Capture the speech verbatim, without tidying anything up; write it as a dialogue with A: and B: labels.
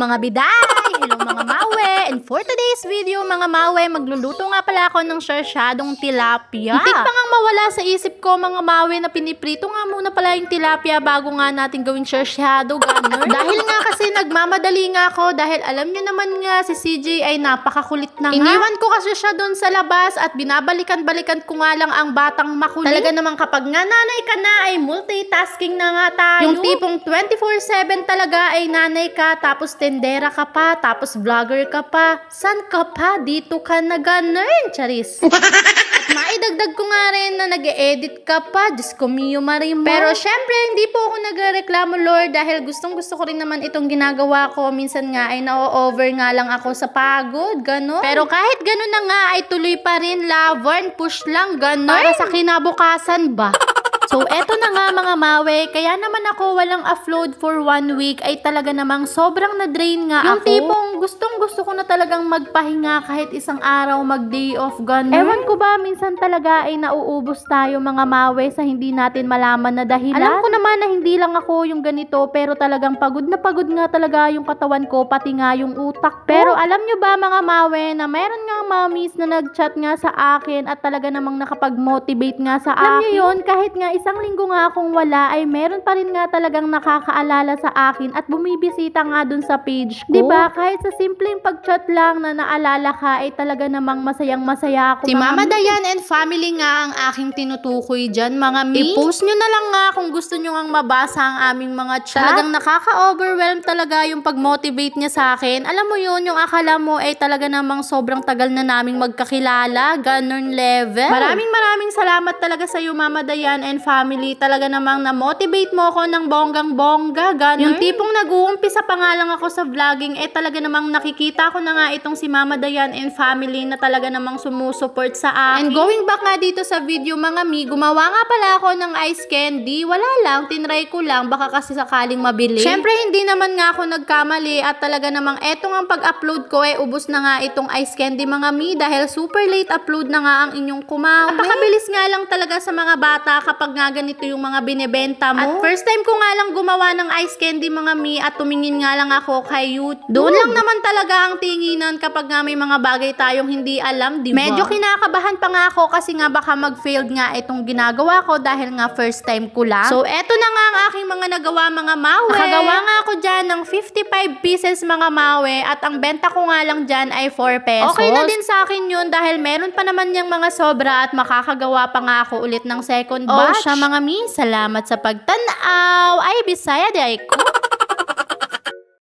A: mga biday! Hello mga mawe! And for today's video mga mawe, magluluto nga pala ako ng sarsyadong tilapia. Muntik pa ngang mawala sa isip ko mga mawe na piniprito nga muna pala yung tilapia bago nga natin gawing sarsyado, ganun. Dahil nga kasi nagmamadali nga ako dahil alam niyo naman nga si C J ay napakakulit na nga. Iniwan ko kasi siya doon sa labas at binabalikan-balikan ko nga lang ang batang makulit. Talaga naman kapag nga nanay ka na ay multitasking na nga tayo. Yung tipong twenty-four seven talaga ay nanay ka, tapos tendera ka pa, tapos vlogger ka pa. San ka pa? Dito ka na ganun, charis. At maidagdag ko nga rin na nag-e-edit ka pa. Diyos ko, Mio Marimo. Pero syempre, hindi po ako nagreklamo, Lord, dahil gustong gusto ko rin naman itong ginagawa ko. Minsan nga ay na-over nga lang ako sa pagod, ganun. Pero kahit ganun na nga ay tuloy pa rin, laban, push lang, ganun. Para sa kinabukasan ba? So, eto na nga mga mawe, kaya naman ako walang upload for one week ay talaga namang sobrang na-drain nga yung ako. Yung tipong gustong gusto ko na talagang magpahinga kahit isang araw mag-day off, ganun. Ewan ko ba, minsan talaga ay nauubos tayo mga mawe sa hindi natin malaman na dahilan. Alam ko naman na hindi lang ako yung ganito, pero talagang pagod na pagod nga talaga yung katawan ko, pati nga yung utak ko. Pero alam nyo ba mga mawe, na meron nga mommies na nag-chat nga sa akin at talaga namang nakapag-motivate nga sa akin. Alam nyo yun, kahit nga isang linggo nga akong wala, ay meron pa rin nga talagang nakakaalala sa akin at bumibisita nga dun sa page ko. Diba? Kahit sa simpleng pag-chat lang na naalala ka, ay talaga namang masayang masaya ako. Si Mama Dayan and family nga ang aking tinutukoy dyan, mga mi. I-post nyo na lang nga kung gusto nyo nga mabasa ang aming mga chat. Talagang nakaka-overwhelm talaga yung pag-motivate niya sa akin. Alam mo yun, yung akala mo ay talaga namang sobrang tagal na naming magkakilala, ganun level. Maraming maraming salamat talaga sa iyo, Mama Dayan and family. Talaga namang na-motivate mo ako ng bonggang-bongga, ganun. Yung tipong nag-uumpisa pa nga lang ako sa vlogging, eh talaga namang nakikita ko na nga itong si Mama Dayan and family na talaga namang sumusuport sa akin. And going back nga dito sa video mga mi, gumawa nga pala ako ng ice candy. Wala lang, tinry ko lang, baka kasi sakaling mabili. Syempre hindi naman nga ako nagkamali at talaga namang eto nga pag-upload ko, eh ubos na nga itong ice candy mga mi dahil super late upload na nga ang inyong kumawi. Napakabilis nga lang talaga sa mga bata kapag nga ganito yung mga binebenta mo. At first time ko nga lang gumawa ng ice candy mga mi at tumingin nga lang ako kay YouTube. Doon lang naman talaga ang tinginan kapag nga may mga bagay tayong hindi alam, di ba? Medyo kinakabahan pa nga ako kasi nga baka mag-failed nga itong ginagawa ko dahil nga first time ko lang. So eto na nga ang aking mga nagawa mga mawe. Nakagawa nga ako dyan ng fifty-five pieces mga mawe at ang benta ko nga lang dyan ay four pesos. Okay na din sa akin yun dahil meron pa naman yung mga sobra at makakagawa pa nga ako ulit ng second batch. Oh, siya mga mi, salamat sa pagtanaw. Ay, Bisaya di ay ko.